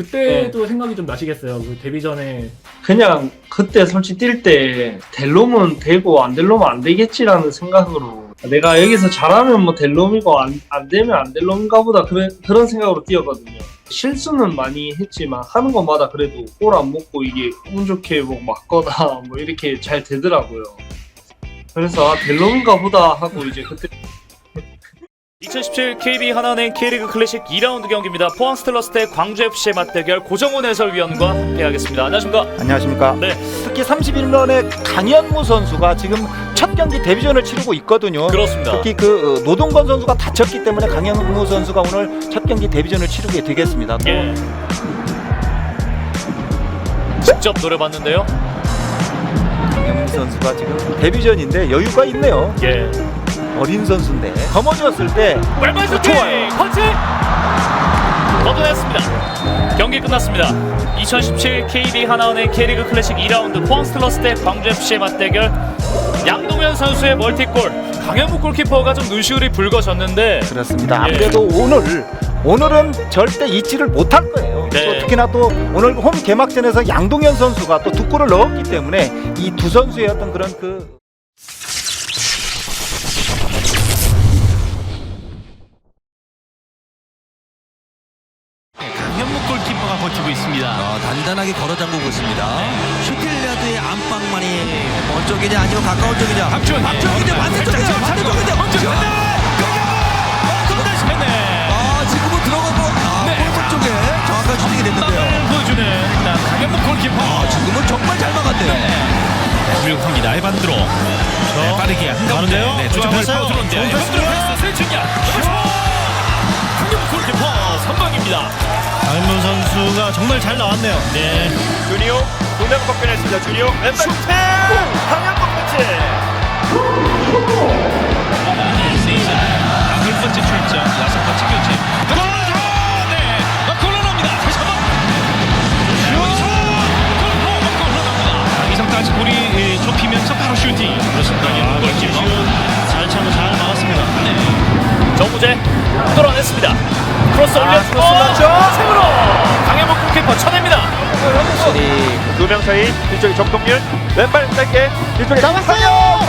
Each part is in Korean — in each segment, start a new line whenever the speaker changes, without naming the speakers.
그때도 생각이 좀 나시겠어요. 그 데뷔 전에
그냥 그때 솔직히 뛸 때 될 놈은 되고 안 될 놈은 안 되겠지라는 생각으로 내가 여기서 잘하면 뭐 될 놈이고 안 되면 안 될 놈인가 보다 그런 생각으로 뛰었거든요. 실수는 많이 했지만 하는 것마다 그래도 골 안 먹고 이게 운 좋게 뭐 맞거나 뭐 이렇게 잘 되더라고요. 그래서 될 놈인가 보다 하고 이제 그때
2017 KB 하나은행 K리그 클래식 2라운드 경기입니다. 포항 스틸러스 대 광주FC의 맞대결 고정훈 해설위원과 함께하겠습니다. 안녕하십니까?
안녕하십니까.
네.
특히 31년의 강현무 선수가 지금 첫 경기 데뷔전을 치르고 있거든요.
그렇습니다.
특히 그 노동건 선수가 다쳤기 때문에 강현무 선수가 오늘 첫 경기 데뷔전을 치르게 되겠습니다.
예. 직접 노려봤는데요.
강현무 선수가 지금 데뷔전인데 여유가 있네요.
예.
어린 선수인데 거머쥐었을 때
왼발 슈팅!
좋아요.
펀치! 걷어냈습니다. 경기 끝났습니다. 2017 KB 하나은행 K리그 클래식 2라운드 포항 스틸러스 대 광주FC의 맞대결 양동현 선수의 멀티골 강현무 골키퍼가 좀 눈시울이 붉어졌는데
그렇습니다.
예.
아무래도 오늘은 절대 잊지를 못할 거예요.
네.
또 특히나 또 오늘 홈 개막전에서 양동현 선수가 또 두 골을 넣었기 때문에 이 두 선수의 어떤 그런 그
강현무 골키퍼가 버티고 있습니다.
단단하게 걸어 잠그고 있습니다. 슈틸리아드의 안방만이 먼 쪽이냐 아니면 가까운 쪽이냐.
박주원,
박주원이냐 반대쪽이냐 반대쪽이냐. 지금은 들어가고 골문 쪽에 정확한 슈팅이 됐는데요.
보여주는 일단 강현무 골키퍼.
지금은 정말 잘 막았네요.
훌륭합니다. 해반드로. 네, 빠르게 한가운데요. 네, 조정을 파고 들어온대요. 해반드로 패스 슬치냐. 강현무 골키퍼 선방입니다. 강현무 선수가 정말 잘 나왔네요. 네.
주니오 두명 벗겨냈습니다. 주니오 왼발 슈팅! 강현무 펀치!
첫 번째 출전, 6번째 교체. 골로! 네, 골로 나옵니다. 다시 한번. 골로 나옵니다. 이성까지 볼이 좁히면서 바로 슈팅. 그렇습니다. 골키퍼 잘 참고 잘 막았습니다. 네.
정우재 뚫어냈습니다. 크로스 올려주고 최으로 강현무 골키퍼 쳐냅니다.
확실히
두 명 사이 뒤쪽에 정동윤 왼발 짧게 뒤쪽에
나왔어요.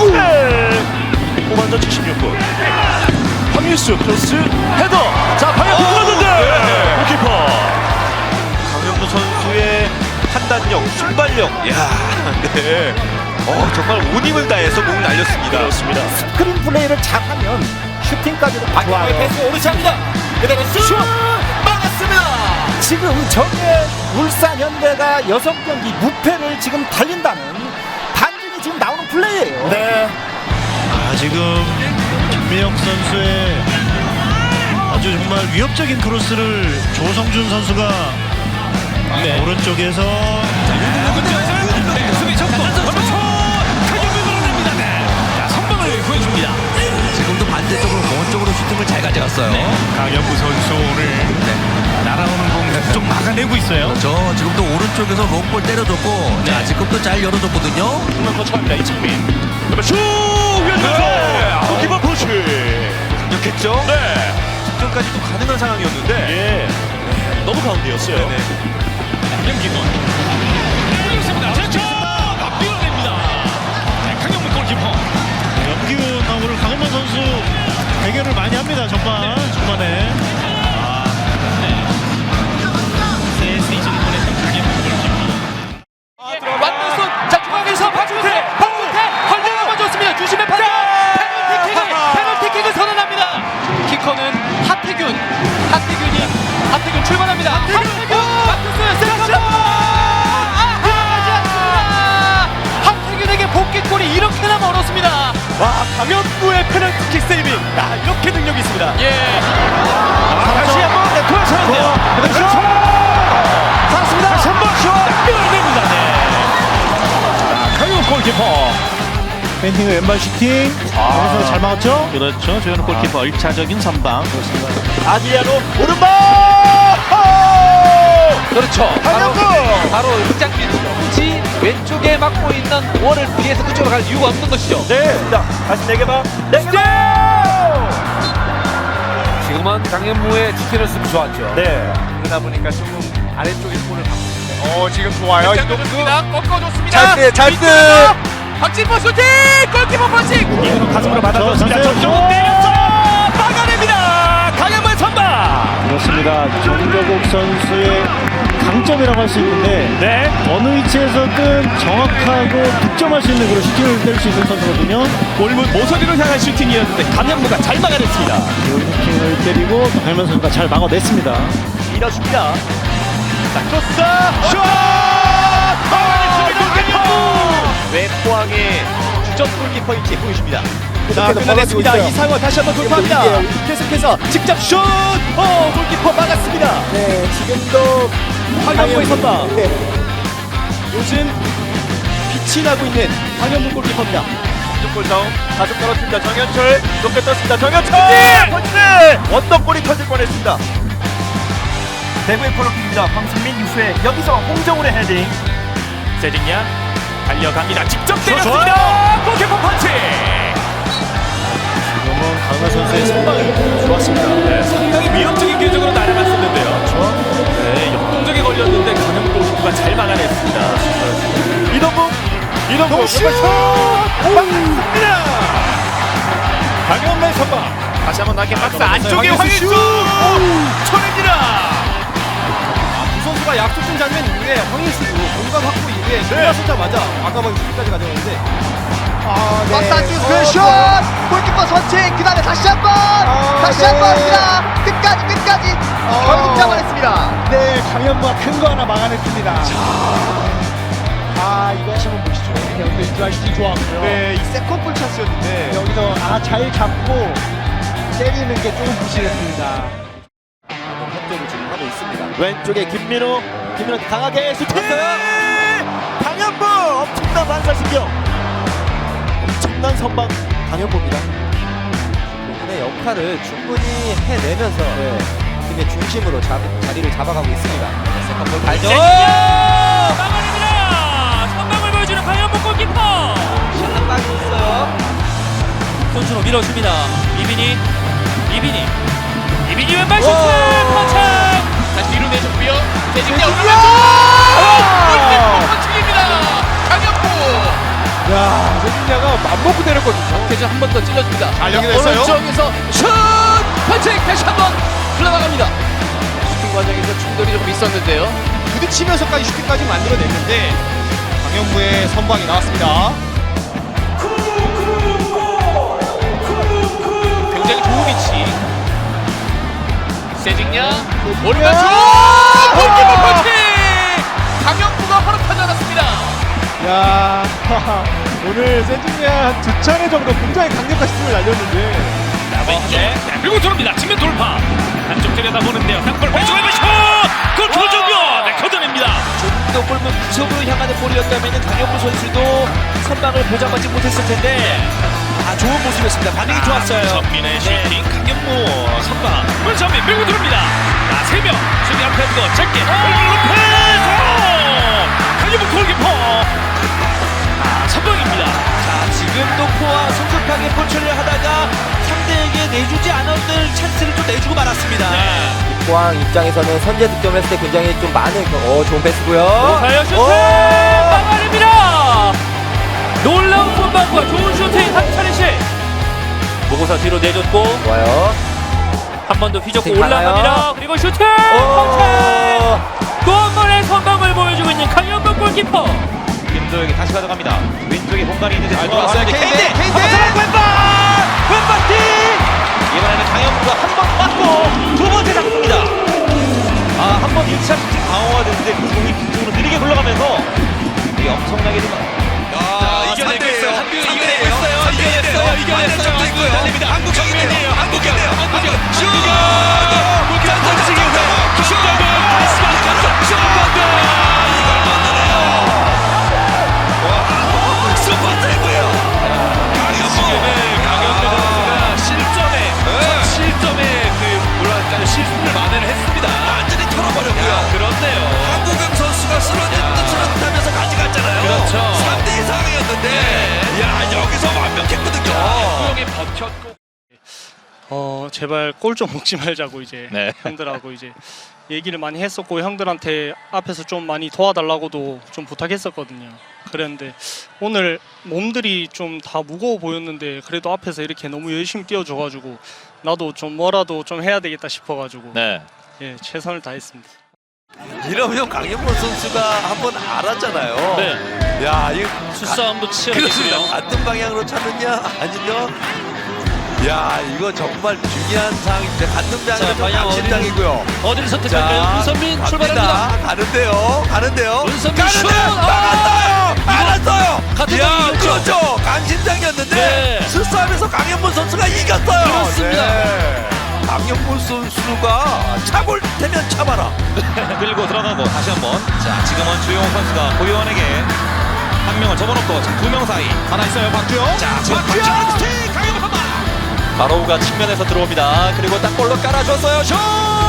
후반전 76분 황유수 크로스 헤더 자 방향 들어갔는데 골키퍼 강현무 선수의 판단력 순발력 이야 네 정말 온 힘을 다해서 공을 날렸습니다. 그렇습니다.
스크린 플레이를 잘하면 슈팅까지도 좋아요.
패스 오르차입니다. 그대로 슛 막았습니다.
지금 저게 울산 현대가 6경기 무패를 지금 달린다는 반증이 지금 나오는 플레이예요.
네.
지금 김민혁 선수의 아주 정말 위협적인 크로스를 조성준 선수가 오른쪽에서 수비 접고 강현무 밀어냅니다. 자, 선방을 보여줍니다.
지금도 반대쪽으로 먼 쪽으로 슈팅을 잘 가져갔어요.
강현무 선수 오늘 날아오는 공 좀 막아내고 있어요.
그렇죠. 지금도 오른쪽에서 롱볼 때려줬고 지금도 잘 열어줬거든요.
한번 처음이다 이창민. 그러면 슛 위안면서 골키퍼 푸시. 강력했죠? 네. 직전까지도 가능한 상황이었는데 너무 가운데였어요.
김기돈 그렇습니다. 그렇죠. 밀어냅니다. 강현무 골키퍼. 염기훈하고 오늘 강현무 선수 대결을 많이 합니다. 전반에. 새 시즌 보냈던 강현무 골키퍼.
맞는 손. 자 중앙에서 박주태 걸려 넘어졌습니다. 주심의 판단. 페널티킥을 선언합니다. 키커는 하태균 출발합니다. 하태균 하태균에게 복귀골이 이렇게나 멀었습니다. 와 강현무의 페널티킥 세이빙 이렇게 능력이 있습니다. 다시 한번 돌아서는데요. 그렇죠. 살았습니다. 다시 한번 슛 밀어냅니다. 강현무 골키퍼.
밴딩의 왼발 슈팅. 그래서 잘 막았죠? 그렇죠. 조현우 골키퍼 1차적인 선방.
아드리아노 오른발. 그렇죠. 바로 그 장면이죠. 굳이 왼쪽에 막고 있는 원을 위해서 그쪽으로 갈 이유가 없는 것이죠. 네. 자, 다시 4개만. 4개. 지금은 강현무의 디테일스 좋았죠. 네. 그러다 보니까 조금
아래쪽에 볼을 받고 있는데 지금 좋아요. 이동수
꺾어줬습니다.
찰스
박진보 슈팅! 골키퍼 펀칭!
이으로 가슴으로 받아줬습니다. 정정욱 때렸어 막아냅니다. 강현무의 선방.
그렇습니다. 정교국 선수의 강점이라고 할 수 있는데
네.
어느 위치에서든 정확하고 득점할 수 있는 그런 슈팅을 때릴 수 있는 선수거든요.
골문 모서리로 향한 슈팅이었는데 강현무가 잘 막아냈습니다.
그 슈팅을 때리고 강현무 선수가 잘 막아냈습니다.
밀어줍니다. 자, 크로스 슛! 왜 포항의 주전 골키퍼인지 보여줍니다. 자, 끊어냈습니다. 이상원 다시 한번 돌파합니다. 계속해서 직접 슛! 골키퍼 막았습니다.
네, 지금도
강현무의 선방.
네.
요즘 빛이 나고 있는 강현무 골키퍼입니다. 골 다운 가속 떨어뜨립니다. 정현철 높게 떴습니다. 정현철 펀치! 원더골이 터질 뻔했습니다. 대구의 코너킥입니다. 황승민 유수의 여기서 홍정훈의 헤딩. 세징야 달려갑니다. 직접 때렸습니다. 골키퍼 펀치.
지금은 강현 선수의 선방이 좋았습니다.
네, 상당히 위협적인 궤적으로 날아갔었는데요. 네, 역동적에 걸렸는데 강현무 골키퍼가 잘 막아냈습니다. 이동국 슛! 막았습니다. 강현무의 선방. 다시 한번 낮게 박스 안쪽에 황희수 쳐냅니다.
두 선수가 약속된 장면 이후에 황희수도 공간 확보 이후에 돌아서자마자 아까 막 슈팅까지 가져갔는데 박스 안쪽에서 그 슛! 골키퍼 선취! 그 다음에 다시 한번 합니다! 끝까지! 결국 잡아냈습니다!
네, 강현무가 큰 거 하나 막아냈습니다.
이거 다시 한번 보시죠.
여기서 인트라이팅 좋았고요.
네, 이 세컨볼 찬스였는데
여기서 잘 잡고 때리는 게 조금 부실했습니다.
협조를 지금 하고 있습니다.
왼쪽에 김민호 강하게 슈팅! 강현무 엄청난 반사신경. 엄청난 선방 강현무입니다.
본인의 역할을 충분히 해내면서 팀의 중심으로 자리를 잡아가고 있습니다. 세컨볼 발전!
막아냅니다. 선방을 보여주는 강현무 골키퍼.
샷박이 있어요.
손수로 밀어줍니다. 이빈이 왼발 슈팅 터치. 다시 뒤로 내줬고요. 세징야 올라가죠. 펀칭입니다. 강현무.
야, 세징야가 맘먹고 때렸거든요.
계속 한 번 더 찔러줍니다.
잘 연결됐어요.
오른쪽에서 슛 펀칭 다시 한번 흘러나갑니다. 슈팅 과정에서 충돌이 조금 있었는데요.
부딪히면서까지 슈팅까지 만들어냈는데 강현무의 선방이 나왔습니다.
굉장히 좋은 위치. 세징야 오른쪽 골키퍼 펀칭. 강현무가 바로 타져났습니다.
야, 오늘 세징야 두 차례 정도 굉장히 강력한 슈팅을 날렸는데
왼쪽 밀고 들어옵니다. 측면 돌파. 한쪽 들여다보는데요. 땅볼 왼쪽에 슛! 골키퍼 정면! 네, 걷어냅니다. 좀더 골문 구석으로 향하는 볼이었다면 강현무 선수도 선방을 보장받지 못했을 텐데 좋은 모습이었습니다. 반응이 좋았어요. 정민의 슈팅, 강현무 선방. 문선민 밀고 들어옵니다. 자, 3명 수비 앞에 두고 짧게 로페스! 강현무 골키퍼 선방입니다. 자, 지금도 포와 성급하게 포출을 하다가 상대에게 내주지 않았던 찬스를 좀 내주고 말았습니다.
포항 입장에서는 선제 득점을 했을 때 굉장히 좀 많은 좋은 패스고요.
과연 슈팅 막아냅니다. 놀라운 선방과 좋은 슈팅 한 차례씩. 보고서 뒤로 내줬고
좋아요.
한 번 더 휘젓고
슈팅 가나요?
올라갑니다. 그리고 슈팅 펀칭. 또 한 번의 선방을 보여주고 있는 강현무 골키퍼. 김도영이 다시 가져갑니다. 왼쪽에 공간이 있는데 들어왔어요. 케인데 왼발 킥. 이번에는 강현무가 한 번 맞고 두 번째 잡습니다. 한 번 1차 슈팅 방어가 됐는데 그 공이 뒤쪽으로 느리게 굴러가면서 이게 엄청나게 좀 이겨내고 있어요. 이겨내고 있어요. 이겨냈어요. 한국 정면이에요. 한국이에요. 슛! 골키퍼 던지기 후에 슛! 다시 한번 슛! 이걸 만나네요. 슈퍼세이브예요. 지금은 강현무 선수가 실점에 뭐랄까요, 실수를 만회를 했습니다. 완전히 털어버렸고요. 그렇네요. 한국영 선수가 쓰러졌다면서 가져갔잖아요. 그렇죠. 3대 2상이었는데 여기서 완벽했거든요. 한국영이 버텼고
제발 골 좀 먹지 말자고 이제
네.
형들하고 이제
얘기를 많이 했었고 형들한테 앞에서 좀 많이 도와달라고도 좀 부탁했었거든요. 그랬는데 오늘 몸들이 좀 다 무거워 보였는데 그래도 앞에서 이렇게 너무 열심히 뛰어줘가지고 나도 좀 뭐라도 좀 해야 되겠다 싶어가지고
네.
예, 최선을 다했습니다.
이러면 강현무 선수가 한번 알았잖아요.
네.
야, 이거
수싸움도
그렇습니다.
치열했고요.
같은 방향으로 차느냐 아니면 야, 이거 정말 중요한 상황입니다. 같은 방향으로
방향
강심장이고요.
어디를 선택할까요? 문선민 출발합니다.
가는데요.
문선민 슛!
알았어요.
같은
야,
방향이었죠?
그렇죠. 강심장이었는데
네.
수싸움에서 강현무 선수가 이겼어요.
그렇습니다.
네. 강현무 선수가 차볼 테면 차봐라.
밀고 들어가고 다시 한번. 자, 지금은 주용호 선수가 고요원에게 한 명을 접어놓고 두 명 사이 하나 있어요. 박주영. 자, 지금 박주영 스틱 강현무 한 방. 바로우가 측면에서 들어옵니다. 그리고 딱 볼로 깔아줬어요. 슛!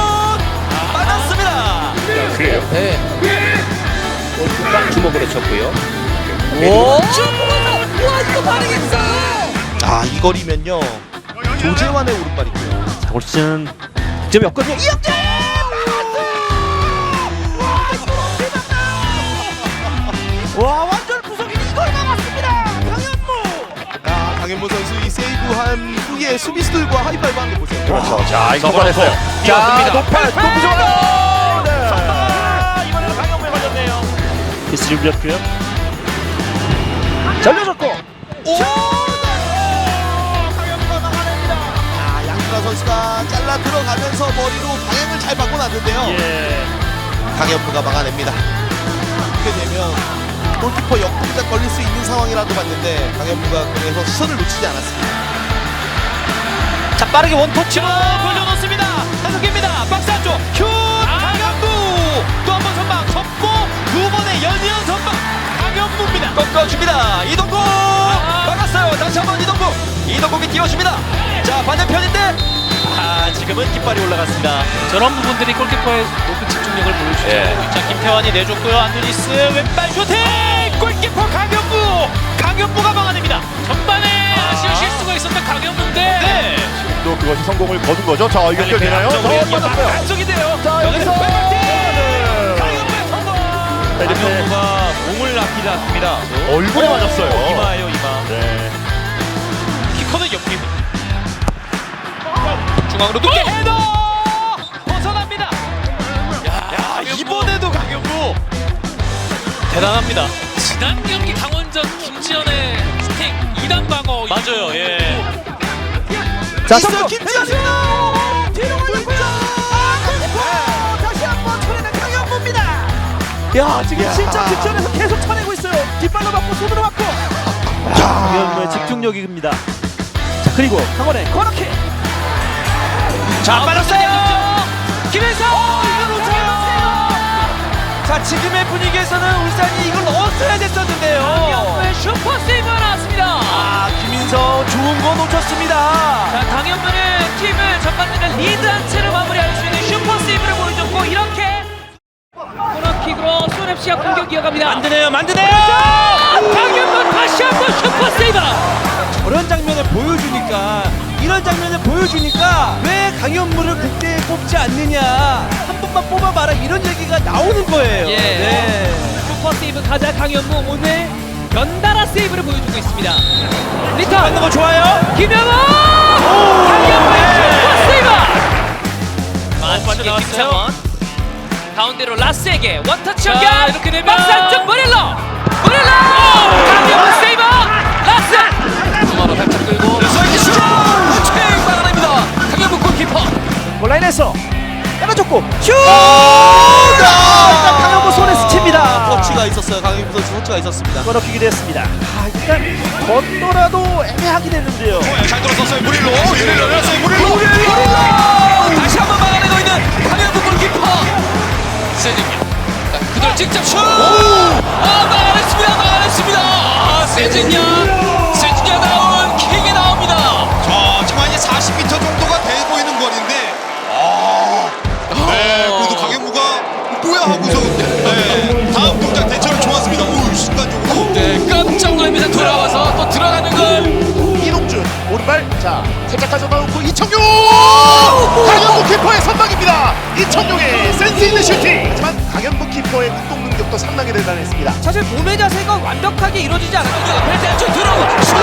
맞았습니다. 그래요? 네. 골키퍼 주먹으로 쳤고요. 오! 와, 이거 반응했어.
아, 이 거리면요. 조재환의 오른발이고요.
자, 올 시즌 득점이 없거든요. 이영재!
와, 완전 구석이 이걸 막았습니다. 강현무. 아, 강현무 선수 이 세이브한 후에 수비수들과 하이파이브 한 거 보세요.
그렇죠. 자,
이거 받았어요.
자, 높아.
이번에는 강현무에 걸렸네요.
피스 준비했고요.
잘려줬고.
강현무가 막아냅니다. 아, 양준하 선수가 잘라 들어가면서 머리로 방향을 잘 바꿔놨는데요.
예.
강현무가 막아냅니다. 이렇게 되면 골키퍼 역동작 걸릴 수 있는 상황이라도 봤는데 강현무가 그래서 시선을 놓치지 않았습니다.
자, 빠르게 원터치로 돌려놓습니다. 한국입니다. 박스 안쪽 슛! 강현무! 또 한 번 선방 접고 두 번의 연이은 선방 강현무입니다. 꺾어줍니다. 이동국! 막았어요. 다시 한번 이동국이 띄워줍니다. 자, 반대편인데 지금은 깃발이 올라갔습니다. 저런 부분들이 골키퍼의 높은 집중력을 보여주죠. 자, 김태환이 내줬고요. 안드니스 왼발 슈팅! 골키퍼 강현무가 막아냅니다. 전반에 아쉬운 실수가 있었던 강현무인데
또 그것이 성공을 거둔 거죠. 자, 이거 연결되나요?
안쪽이 돼요. 자, 여기서 강현무의 성공. 강현무가 몸을 아끼지 않습니다.
얼굴에 맞았어요.
이마예요, 이마.
네.
키커는 옆입니다. 중앙으로 높게 헤더! 벗어납니다. 야, 이번에도 강현무 대단합니다.
지난 경기 강원전 김지현의 스틱 2단 방어
맞아요. 예.
자, 김지현 뒤로 올렸고요. 다시 한번 쳐내는 강현무입니다. 야, 지금 진짜 득점에서 계속 쳐내고 있어요. 뒷발로 맞고 손으로 맞고.
강현무의 집중력입니다. 자, 그리고 강원의 코너킥.
자, 빨랐어요. 김혜성. 이걸 놓쳐요. 자, 지금의 분위기에서는 울산이 이걸 넣었어야 됐었는데요. 강현무의 슈퍼 세이브가 나왔습니다. 아, 김인성 좋은 거 놓쳤습니다.
자, 강현무는 팀을 전반전에 리드한 채로 마무리할 수 있는 슈퍼 세이브를 보여줬고 이렇게 코너킥으로 손FC가 공격 이어갑니다.
만드네요.
강현무 다시 한번 슈퍼 세이브.
저런 장면을 보여주니까 이런 장면을 보여주니까 왜 강현무를 국대에 뽑지 않느냐 한 번만 뽑아봐라 이런 얘기가 나오는 거예요.
예.
네.
슈퍼 세이브 가자 강현무 오늘 연달아 세이브를 보여주고 있습니다. 리턴
하는 거 좋아요.
김영호 강현무의 슈퍼 세이브. 만치게 김창원 가운데로 라스에게 원터치 연결. 이렇게 되면 박스 안쪽 모렐로 강현무 세이브. 라스 중앙으로 살짝 끌고 슈팅 막아냅니다. 강현무 골키퍼
골라인에서 때려줬고 슛! 일단 강현무 손에 스칩니다. 터치가 있었어요. 강현무 선수 터치가 있었습니다.
코너킥이 됐습니다. 일단 걷더라도 애매하긴 했는데요.
잘 들어섰어요. 무릴로 열렸어요. 무릴로.
다시 한번 막아내고 있는 강현무 골키퍼 세징야. 그대로 직접 슛! 막아냈습니다. 세징야다운 킥이 나옵니다.
자, 지금 한 40m 정도가 돼 보이는 거리인데, 네, 그래도 강현무가 뭐야 하고서 다음 동작 대처를 좋았습니다. 오, 순간적으로.
네, 깜짝 놀랍니다. 돌아와서 또 들어가는 걸.
이동준 오른발, 자, 살짝 가져나오고 이청용! 강현무 키퍼의 선방입니다.
이청용의 센스 있는 슈팅. 하지만 강현무 키퍼의 운동 능력도 상당히 대단했습니다.
사실 몸의 자세가 완벽하게 이루어지지 않았거든요. 벨트 안쪽 들어오고 슛!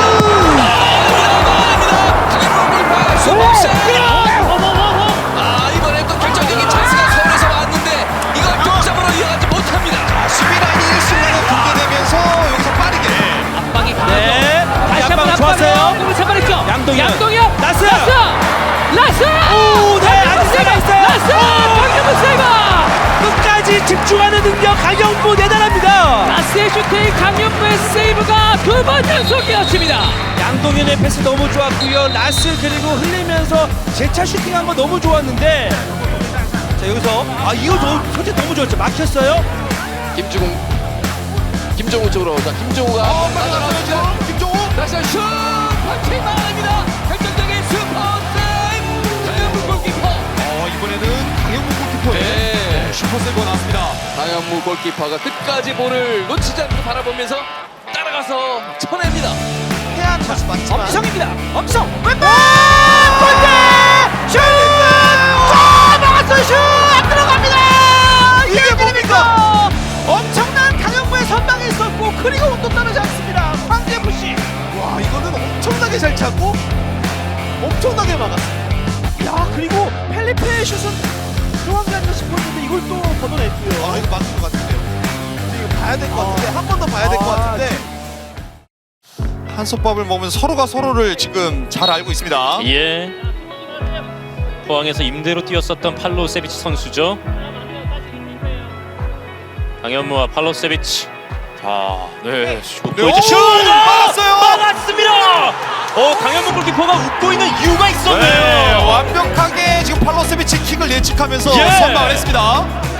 아, 이번에 또 결정적인 찬스가 서울에서 왔는데 이걸 득점으로 이어가지 못합니다.
수비 라인이 일순간에 붕괴되면서 여기서 빠르게
압박이
네. 다시 한번 좋았어요.
공을 선발했죠.
양동현. 나스.
라스!
오, 네. 아지세가 있어요.
라스! 강현무 세이버!
끝까지 집중하는 능력 강영무 대단합니다.
라스의 슈팅, 강현무의 세이브가 2번 연속이었습니다.
양동현의 패스 너무 좋았고요. 라스 그리고 흘리면서 재차 슈팅한 거 너무 좋았는데 자 여기서 이거 솔직히 너무 좋았죠. 막혔어요.
김종우 쪽으로. 자, 김종우가
맞아요. 김종우.
다시 슛! 파킹 막아냅니다. 결정적인 슈퍼 세이브! 강현무 골키퍼.
이번에는 강현무 골키퍼의
네.
슈퍼 세이브가 나왔습니다.
강현무 골키퍼가 끝까지 볼을 놓치지 않고 바라보면서 따라가서 쳐냅니다.
해안 찬스 맞지만
엄성입니다. 엄성! 왼발!
골대!
슛! 막았어요. 슛! 안 들어갑니다.
이게 뭡니까?
엄청난 강현무의 선방이 있었고 그리고 운도 따르지 않습니다. 황재FC.
와, 이거는 엄청나게 잘 찾고 엄청나게 막았습니다.
야 그리고 펠리페의 슛은 들어간 게 아닌가 싶었는데 이걸 또 걷어냈고요.
이거 막은 것 같은데요. 이거 봐야 될 것 같은데 한 번 더 봐야 될 것 같은데 한솥밥을 먹으면 서로가 서로를 지금 잘 알고 있습니다.
예. 포항에서 임대로 뛰었었던 팔로세비치 선수죠. 강현무와 팔로세비치. 자, 네. 슛! 슛!
막았어요.
막았습니다. 강현무 골키퍼가 웃고 있는 이유가 있었네요.
완벽하게 지금 팔로세비치 킥을 예측하면서
예.
선방을 했습니다.